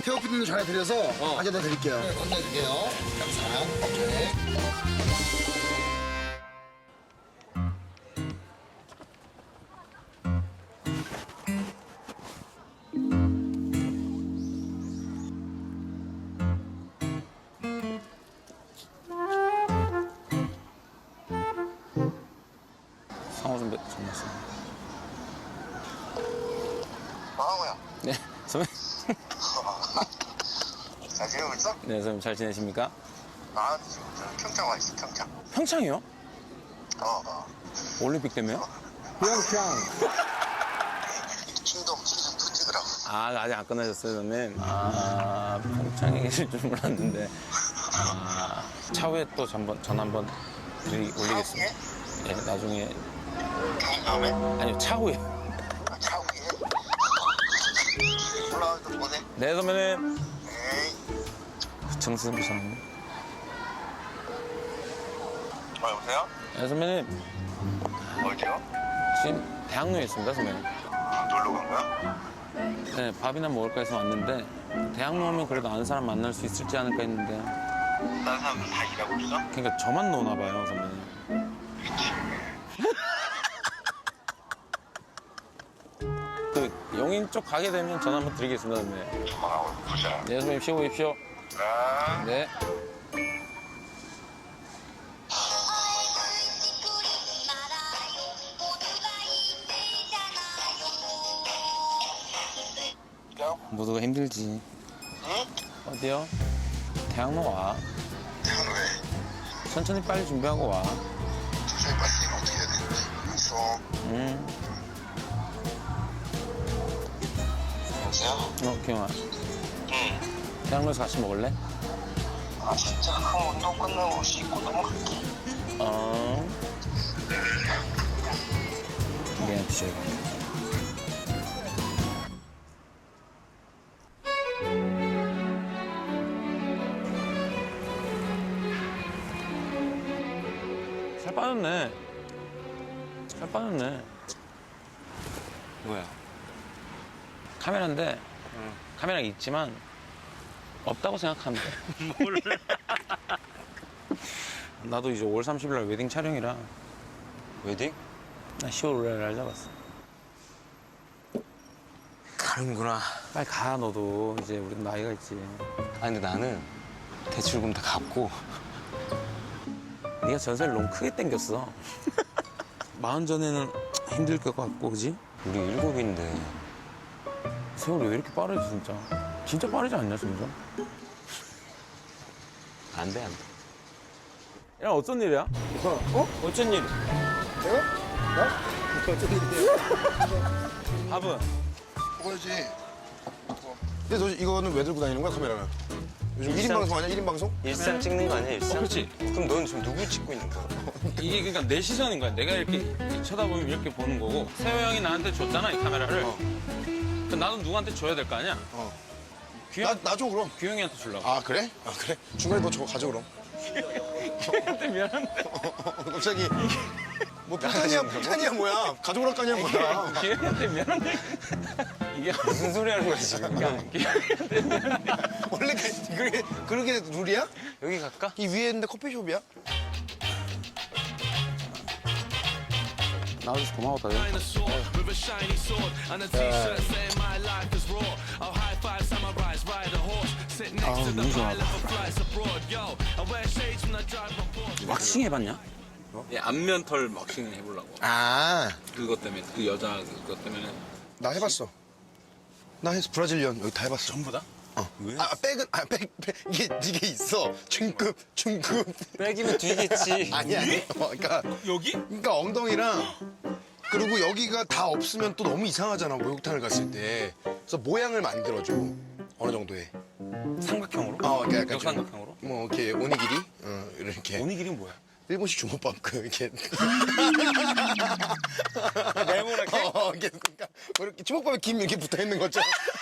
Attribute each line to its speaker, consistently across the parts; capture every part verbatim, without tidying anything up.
Speaker 1: 태호 피디님 전해드려서
Speaker 2: 어.
Speaker 1: 가져다 드릴게요. 네, 건네줄게요. 감사합니다. 오케이.
Speaker 2: 상호 좀 전했어.
Speaker 3: 망호야.
Speaker 2: 네, 선배님.
Speaker 3: 잘 지내고 있어?
Speaker 2: 네, 선배님 잘 지내십니까?
Speaker 3: 나 지금 저 평창 와 있어, 평창.
Speaker 2: 평창이요?
Speaker 3: 어, 어.
Speaker 2: 올림픽 때문에요?
Speaker 1: 평창.
Speaker 3: 충동, 충동 투지더라고.
Speaker 2: 아, 아직 안 끝나셨어요, 선배님? 아, 평창에 계실 줄 몰랐는데. 아, 차후에 또 한번, 전 한번 드리, 올리겠습니다. 예, 나중에.
Speaker 3: 다음에?
Speaker 2: 아니요, 차후에.
Speaker 3: 아, 차 위에? 올라와서 보내.
Speaker 2: 네, 선배님.
Speaker 3: 에이.
Speaker 2: 정수 선배님.
Speaker 3: 어, 여보세요?
Speaker 2: 네, 선배님.
Speaker 3: 어디요?
Speaker 2: 지금 대학로에 있습니다, 선배님.
Speaker 3: 아, 놀러 간 거야?
Speaker 2: 네, 밥이나 먹을까 해서 왔는데 대학로 오면 그래도 아는 사람 만날 수 있을지 않을까 했는데
Speaker 3: 다른 사람들 다 일하고 있어?
Speaker 2: 그러니까 저만 노나 봐요, 선배님. 그 용인 쪽 가게 되면 전화 한번 드리겠습니다, 선배님.
Speaker 3: 조만하고 보자.
Speaker 2: 네, 선배님 쉬고 계십시오.
Speaker 3: 아.
Speaker 2: 네.
Speaker 3: 야,
Speaker 2: 모두가 힘들지.
Speaker 3: 응?
Speaker 2: 어디요? 대학로 와.
Speaker 3: 대학로 왜?
Speaker 2: 천천히 빨리 준비하고 와.
Speaker 3: 도저히 빠지면 어떻게 해야 되는데? 알았어.
Speaker 2: 응.
Speaker 3: 여보세요?
Speaker 2: 어, 기영아.
Speaker 3: 응.
Speaker 2: 대학로에서 같이 먹을래?
Speaker 3: 아, 진짜 그럼 운동 끝나고 씻고 넘어갈게.
Speaker 2: 어. 미안, 비저이가. 살 빠졌네. 살 빠졌네.
Speaker 4: 뭐야?
Speaker 2: 카메라인데 카메라가 있지만 없다고 생각하면 돼.
Speaker 4: 뭘?
Speaker 2: 나도 이제 오월 삼십일 날 웨딩 촬영이라
Speaker 4: 웨딩?
Speaker 2: 나 시월 오일 날 잡았어.
Speaker 4: 가는구나.
Speaker 2: 빨리 가, 너도. 이제 우리도 나이가 있지.
Speaker 4: 아 근데 나는 대출금 다 갚고
Speaker 2: 네가 전세를 너무 크게 땡겼어. 마흔 전에는 힘들 것 같고, 그지?
Speaker 4: 우리 일곱인데
Speaker 2: 세월이 왜 이렇게 빠르지, 진짜? 진짜 빠르지 않냐, 진짜?
Speaker 4: 안 돼, 안 돼.
Speaker 2: 야, 어쩐 일이야?
Speaker 1: 어?
Speaker 2: 어쩐 일?
Speaker 1: 내가? 나? 어쩐 일인데?
Speaker 2: 밥은?
Speaker 1: 먹어야지. 근데 너 이거는 왜 들고 다니는 거야, 카메라는? 요즘 일 인
Speaker 4: 일상-
Speaker 1: 방송 아니야? 일 인 방송?
Speaker 4: 일상 찍는 거 아니야, 일상?
Speaker 2: 어, 그렇지.
Speaker 4: 그럼 넌 지금 누구 찍고 있는 거야?
Speaker 2: 이게 그러니까 내 시선인 거야. 내가 이렇게, 이렇게 쳐다보면 이렇게 보는 거고. 세호 형이 나한테 줬잖아, 이 카메라를.
Speaker 1: 어.
Speaker 2: 그럼 나도 누구한테 줘야 될 거 아니야?
Speaker 1: 어.
Speaker 2: 규영,
Speaker 1: 나, 나 줘, 그럼.
Speaker 2: 규영이한테 주려고.
Speaker 1: 아, 그래? 아, 그래? 중간에 너 저거 가져, 그럼.
Speaker 2: 규영이한테 미안한데.
Speaker 1: 갑자기. 뭐, 삐까니야, 삐까니야, 뭐야. 가져오라 까니야, 뭐야.
Speaker 2: 규영이한테 미안한데. 이게
Speaker 4: 무슨 소리 하는 거야, 지금?
Speaker 2: 그러니까 규영이한테 미안한데.
Speaker 1: 원래 그, 그게, 그렇게 룰이야?
Speaker 4: 여기 갈까?
Speaker 1: 이 위에 있는데 커피숍이야?
Speaker 2: 나와줘서 고마워, 다들.
Speaker 5: with a shiny sword and a t-shirt saying my life is raw. I'll high five samurais, ride a horse, sit next
Speaker 2: Oh,
Speaker 5: to the
Speaker 2: 너무 좋아.
Speaker 5: pilot for flights abroad. Yo, I wear shades when I drive my Porsche.
Speaker 2: 왁싱 해봤냐? 예, 안면 털 왁싱 해보려고.
Speaker 1: 아,
Speaker 2: 그것 때문에, 그 여자 그것 때문에.
Speaker 1: 나 해봤어. 나 해서 브라질리언 여기 다 해봤어.
Speaker 2: 전부 다?
Speaker 1: 어. 왜? 아, 백은, 아, 백, 백. 이게, 이게 있어. 중급, 중급.
Speaker 4: 빼기면 뒤겠지.
Speaker 1: 아니야. 어, 그러니까,
Speaker 2: 여기?
Speaker 1: 그러니까 엉덩이랑, 그리고 여기가 다 없으면 또 너무 이상하잖아, 목욕탕을 갔을 때. 그래서 모양을 만들어줘. 어느 정도의.
Speaker 2: 삼각형으로?
Speaker 1: 어, 그러니까 약간. 좀
Speaker 2: 역삼각형으로?
Speaker 1: 뭐, 이렇게, 오니기리? 어, 이렇게.
Speaker 2: 오니기리는 뭐야?
Speaker 1: 일본식 주먹밥, 그, 이렇게.
Speaker 4: 네모나게?
Speaker 1: 어, 이렇게, 그러니까, 뭐 이렇게 주먹밥에 김 이렇게 붙어 있는 거죠.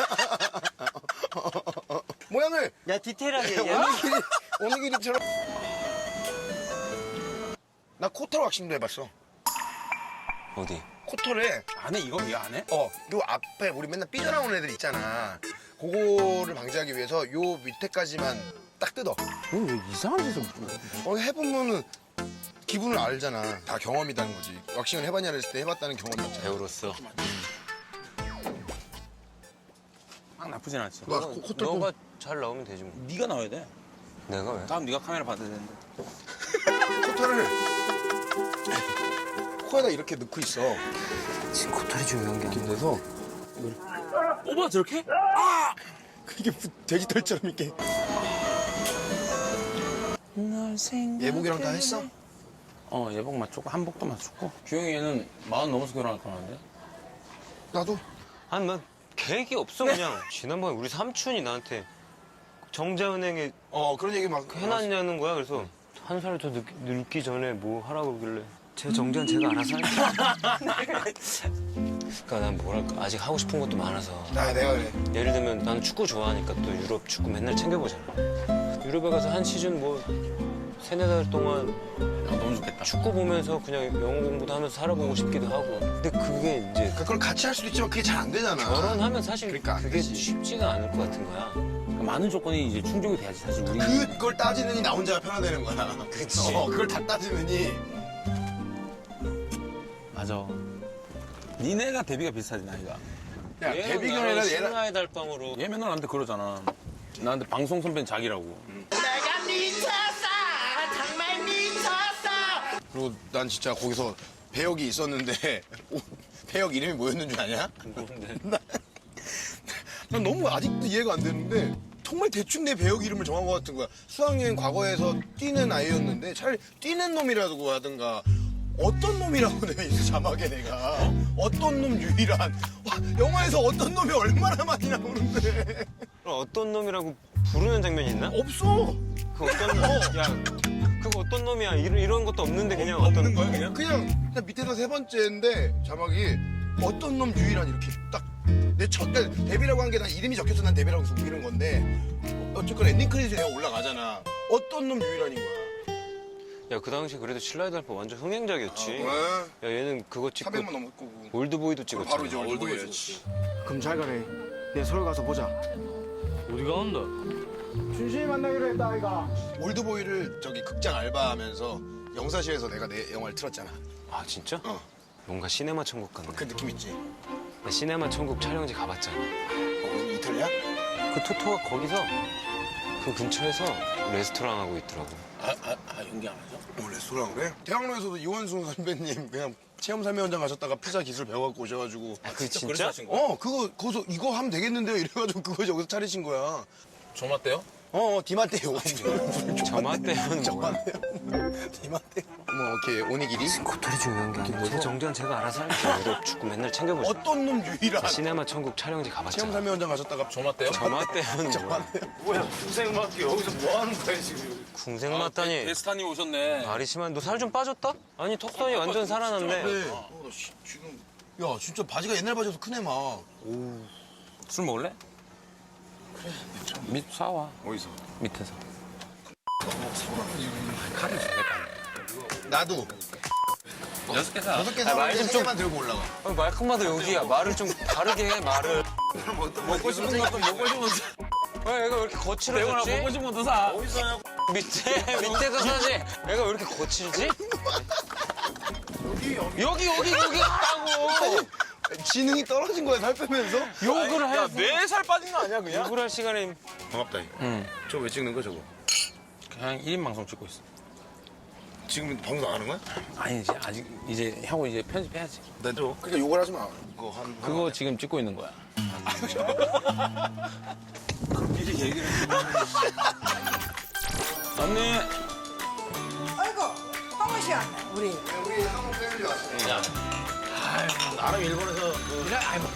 Speaker 1: 모양을.
Speaker 4: 야, 디테일하게 얘기해.
Speaker 1: 오니기리, 오니기리처럼. 나 코털 왁싱도 해봤어.
Speaker 4: 어디?
Speaker 1: 코털에,
Speaker 2: 안 해? 이거? 이거 안 해?
Speaker 1: 어, 요 앞에 우리 맨날 삐져나오는 애들 있잖아. 그거를 방지하기 위해서 요 밑에까지만 딱 뜯어.
Speaker 2: 이거 왜 이상한 짓을
Speaker 1: 어, 해보면은 기분을 알잖아. 다 경험이라는 거지. 왁싱을 해봤냐 했을 때 해봤다는 경험이 있잖아.
Speaker 4: 배우로서.
Speaker 2: 막 나쁘진 않지.
Speaker 1: 와, 코- 코털 좀-
Speaker 4: 너가 잘 나오면 되지 뭐.
Speaker 2: 네가 나와야 돼.
Speaker 4: 내가 왜?
Speaker 2: 다음 네가 카메라 받아야 되는데.
Speaker 1: 코털을 코에다 이렇게 넣고 있어.
Speaker 4: 지금 코털이 중요한 게 아니야.
Speaker 1: 그래서
Speaker 2: 오빠 저렇게?
Speaker 1: 이게 돼지털처럼 이렇게. 예복이랑 다 했어?
Speaker 2: 어 예복 맞췄고 한복도 맞췄고. 규영이 얘는 마흔 넘어서 결혼할 거라는데.
Speaker 1: 나도.
Speaker 4: 아니 난 계획이 없어 그냥. 지난번에 우리 삼촌이 나한테 정자은행에
Speaker 1: 어 그런 얘기 막
Speaker 4: 해놨냐는 거야. 그래서 한 살 더 늙기 전에 뭐 하라고 그러길래 제 정자는 제가 알아서 할게요. 그러니까 난 뭐랄까 아직 하고 싶은 것도 많아서.
Speaker 1: 아 내가 그래.
Speaker 4: 예를 들면 나는 축구 좋아하니까 또 유럽 축구 맨날 챙겨보잖아. 유럽에 가서 한 시즌 뭐 세네 달 동안
Speaker 2: 아, 너무 좋겠다.
Speaker 4: 축구 보면서 그냥 영어 공부도 하면서 살아보고 싶기도 하고. 근데 그게 이제
Speaker 1: 그걸 같이 할 수도 있지만 그게 잘 안 되잖아.
Speaker 4: 결혼하면 사실
Speaker 1: 그러니까 안
Speaker 4: 그게
Speaker 1: 되지.
Speaker 4: 쉽지가 않을 것 같은 거야.
Speaker 2: 많은 조건이 이제 충족이 돼야지 사실 우리.
Speaker 1: 그걸 따지느니 나 혼자가 편하다는 거야.
Speaker 4: 그치.
Speaker 1: 어, 그걸 다 따지느니.
Speaker 2: 맞아. 니네가 데뷔가 비슷하지 나이가.
Speaker 1: 야 데뷔 결혼이라 얘랑
Speaker 4: 신화의 달방으로.
Speaker 2: 얘 맨날 나한테 그러잖아. 나한테 방송 선배는 자기라고.
Speaker 6: 내가 미쳤어 정말 미쳤어
Speaker 1: 그리고 난 진짜 거기서 배역이 있었는데 오, 배역 이름이 뭐였는 줄 아냐? 난, 난 너무 아직도 이해가 안 되는데 정말 대충 내 배역 이름을 정한 것 같은 거야. 수학여행 과거에서 뛰는 아이였는데 차라리 뛰는 놈이라고 하든가 어떤 놈이라고 내가 있어 자막에 내가 어떤 놈 유일한 와, 영화에서 어떤 놈이 얼마나 많이 나오는데
Speaker 4: 그럼 어떤 놈이라고 부르는 장면이 있나?
Speaker 1: 없어.
Speaker 4: 그 어떤 놈? 야, 그거 어떤 놈이야? 이런, 이런 것도 없는데 그냥 어떤
Speaker 1: 없는 거야 그냥? 그냥, 그냥 밑에서 세 번째인데 자막이 어떤 놈 유일한 이렇게 딱 내 첫 데뷔라고 한 게 난 이름이 적혀서 난 데뷔라고 해서 우기는 건데 어쨌건 엔딩 크레딧에 내가 올라가잖아. 어떤 놈 유일한인 거야.
Speaker 4: 야, 그 당시 그래도 신라의 달방 완전 흥행작이었지.
Speaker 1: 아,
Speaker 4: 야, 얘는 그거 찍고
Speaker 1: 사백만 넘었고
Speaker 4: 올드보이도 찍었잖아.
Speaker 1: 바로 이제 올드보이였지.
Speaker 7: 그럼 잘 가래. 내 서울 가서 보자.
Speaker 4: 어디가 온다?
Speaker 7: 준신이 만나기로 했다 아이가.
Speaker 1: 올드보이를 저기 극장 알바하면서 영사실에서 내가 내 영화를 틀었잖아.
Speaker 4: 아, 진짜?
Speaker 1: 어.
Speaker 4: 뭔가 시네마 천국 같네.
Speaker 1: 그 느낌 있지?
Speaker 4: 나 시네마 천국 촬영지 가봤잖아.
Speaker 1: 어, 이탈리아?
Speaker 4: 그 토토가 거기서 그 근처에서 레스토랑 하고 있더라고.
Speaker 2: 아, 아, 아 연기 안 하죠?
Speaker 1: 어, 레스토랑 그래? 대학로에서도 이원순 선배님 그냥 체험사회 현장 가셨다가 피자 기술 배워갖고 오셔가지고
Speaker 4: 아, 그
Speaker 2: 그래서
Speaker 4: 진짜?
Speaker 2: 하신 거야?
Speaker 1: 어 그거 거기서 이거 하면 되겠는데요 이래가지고 그거 여기서 차리신 거야.
Speaker 2: 저 맞대요?
Speaker 1: 어, 디마테오.
Speaker 4: 저마떼는 뭐야?
Speaker 1: 디마테오. 뭐, 이렇게 오니기리?
Speaker 4: 코털이 중요한 게 아니라 제 정자는 제가 알아서 할게요. 유럽 축구 맨날 챙겨보잖아.
Speaker 1: 어떤 놈 유일한
Speaker 4: 시네마 천국 촬영지 가봤잖아.
Speaker 1: 체험사회 현장 가셨다가
Speaker 2: 저 맞대요?
Speaker 4: 저마떼는 뭐야?
Speaker 7: 뭐야 군생마트 여기서 뭐 하는 거야 지금?
Speaker 4: 궁생 맞다니.
Speaker 2: 데스타님 오셨네.
Speaker 4: 말이 심한. 너 살 좀 빠졌다? 아니 턱선이 완전 살아났네.
Speaker 1: 그래. 어, 나 씨, 지금. 야, 진짜 바지가 옛날 바지여서 크네, 막.
Speaker 2: 술 먹을래? 그래. 밑 사와.
Speaker 1: 어디서?
Speaker 2: 밑에서.
Speaker 1: 나도.
Speaker 2: 여섯 개 사.
Speaker 1: 여섯 개
Speaker 4: 아,
Speaker 1: 사면
Speaker 4: 말 좀
Speaker 1: 세 개만 들고 올라가.
Speaker 4: 아, 말끝마다 여기야. 말을 좀 다르게 해, 말을.
Speaker 2: 먹고 싶은 것도 먹고 싶은 것도.
Speaker 4: 왜 얘가 왜 이렇게 거칠어졌지?
Speaker 2: 먹고 싶은 것도 사.
Speaker 4: 밑에, 밑에서 사지. 얘가 왜 이렇게 거칠지? 여기, 여기, 여기 있다고!
Speaker 1: 지능이 떨어진 거야, 살 빼면서?
Speaker 4: 욕을 해.
Speaker 2: 뇌살 빠진 거 아니야 그냥?
Speaker 4: 욕을 할 시간에.
Speaker 1: 고맙다, 이거.
Speaker 2: 응.
Speaker 1: 저거 왜 찍는 거야, 저거?
Speaker 2: 그냥 일 인 방송 찍고 있어.
Speaker 1: 지금 방송 안 하는 거야?
Speaker 2: 아니지 아직 이제 하고 이제 편집해야지.
Speaker 1: 나 줘. 그러니까 욕을 하지 마. 그거 한.
Speaker 2: 그거 지금 찍고 있는 거야.
Speaker 1: 미리 얘기를.
Speaker 2: 언니.
Speaker 8: 아이고, 황호 씨 왔네, 우리.
Speaker 1: 우리 한국 패밀리 왔어.
Speaker 2: 야.
Speaker 1: 나름 일본에서 그. 아이고.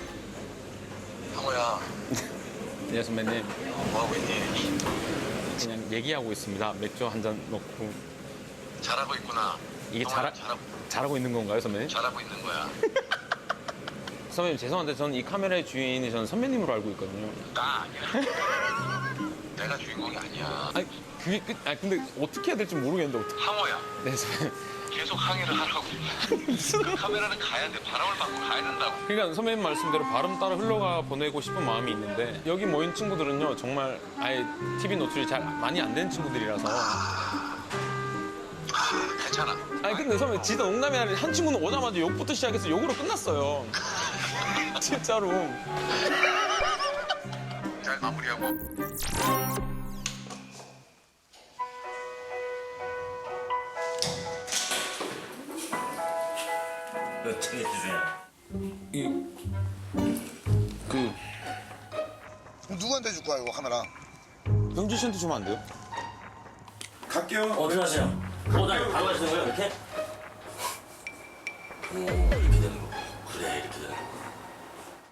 Speaker 3: 상호야,
Speaker 2: 네 선배님.
Speaker 3: 뭐하고 있니?
Speaker 2: 그냥 얘기하고 있습니다. 맥주 한 잔 넣고.
Speaker 3: 잘하고 있구나.
Speaker 2: 이게
Speaker 3: 상호야,
Speaker 2: 잘하,
Speaker 3: 잘하고,
Speaker 2: 잘하고 있는 건가요 선배님?
Speaker 3: 잘하고 있는 거야.
Speaker 2: 선배님 죄송한데 저는 이 카메라의 주인이 저는 선배님으로 알고 있거든요.
Speaker 3: 나 아니야. 내가 주인공이 아니야.
Speaker 2: 아니 그게 끝. 아 근데 어떻게 해야 될지 모르겠는데 어떻게?
Speaker 3: 상호야,
Speaker 2: 네 선배님.
Speaker 9: 계속 항의를 하라고. 그 카메라는 가야 돼. 바람을 맞고 가야 된다고.
Speaker 2: 그러니까 선배님 말씀대로 발음 따라 흘러가 보내고 싶은 마음이 있는데 여기 모인 친구들은요 정말 아예 티비 노출이 잘 많이 안 된 친구들이라서.
Speaker 9: 괜찮아.
Speaker 2: 아니 근데 선배 진짜 농담이 아니라 한 친구는 오자마자 욕부터 시작해서 욕으로 끝났어요. 진짜로.
Speaker 9: 잘 마무리하고.
Speaker 2: 이 그
Speaker 1: 그럼 누구한테 줄 거야 이거 카메라?
Speaker 2: 영지 씨한테 주면 안 돼요?
Speaker 1: 갈게요.
Speaker 10: 어디 가세요? 어, 나 바로 가시는 거예요, 이렇게? 오, 이렇게 되는 거. 그래, 이렇게